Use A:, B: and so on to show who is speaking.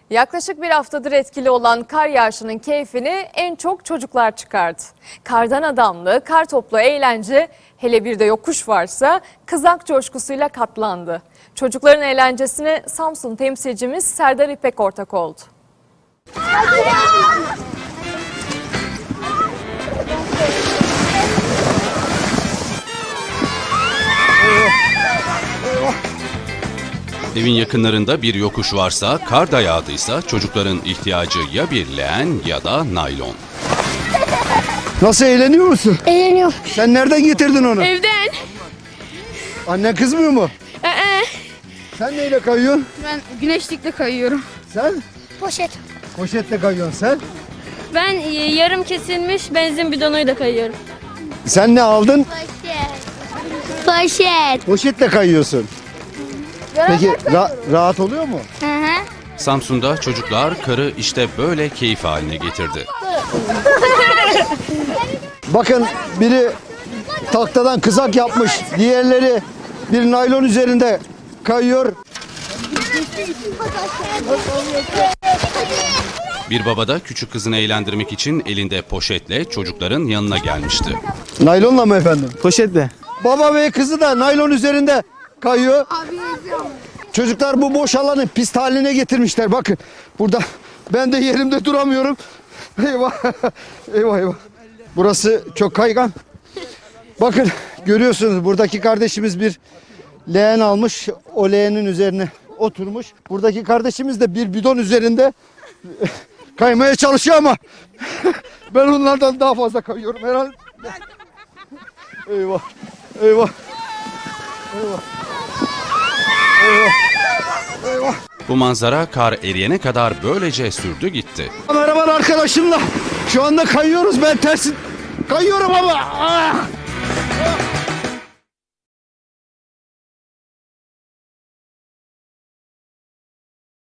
A: Yaklaşık bir haftadır etkili olan kar yağışının keyfini en çok çocuklar çıkardı. Kardan adamlı, kar toplu eğlence, hele bir de yokuş varsa kızak coşkusuyla katlandı. Çocukların eğlencesine Samsun temsilcimiz Serdar İpek ortak oldu.
B: Evin yakınlarında bir yokuş varsa, kar da yağdıysa çocukların ihtiyacı ya bir leğen ya da naylon.
C: Nasıl, eğleniyor musun?
D: Eğleniyorum.
C: Sen nereden getirdin onu?
D: Evden.
C: Annen kızmıyor mu?
D: Ee,
C: Sen neyle kayıyorsun?
D: Ben güneşlikle kayıyorum.
C: Sen?
D: Poşet.
C: Poşetle kayıyorsun sen.
E: Ben yarım kesilmiş benzin bidonuyla kayıyorum.
C: Sen ne aldın?
D: Poşet.
C: Poşetle kayıyorsun. Peki rahat oluyor mu?
D: Hı hı.
B: Samsun'da çocuklar karı işte böyle keyif haline getirdi.
C: Bakın, biri tahtadan kızak yapmış. Diğerleri bir naylon üzerinde kayıyor.
B: Bir baba da küçük kızını eğlendirmek için elinde poşetle çocukların yanına gelmişti.
C: Naylonla mı efendim?
F: Poşetle.
C: Baba ve kızı da naylon üzerinde kayıyor. Çocuklar bu boş alanı pist haline getirmişler. Bakın burada ben de yerimde duramıyorum. Eyvah. Eyvah eyvah. Burası çok kaygan. Bakın, görüyorsunuz buradaki kardeşimiz bir leğen almış. O leğenin üzerine oturmuş. Buradaki kardeşimiz de bir bidon üzerinde kaymaya çalışıyor ama ben onlardan daha fazla kayıyorum herhalde. Eyvah. Eyvah. Eyvah. Eyvah. Eyvah.
B: Bu manzara kar eriyene kadar böylece sürdü gitti.
C: Merhaba arkadaşımla. Şu anda kayıyoruz. Ben tersi kayıyorum ama.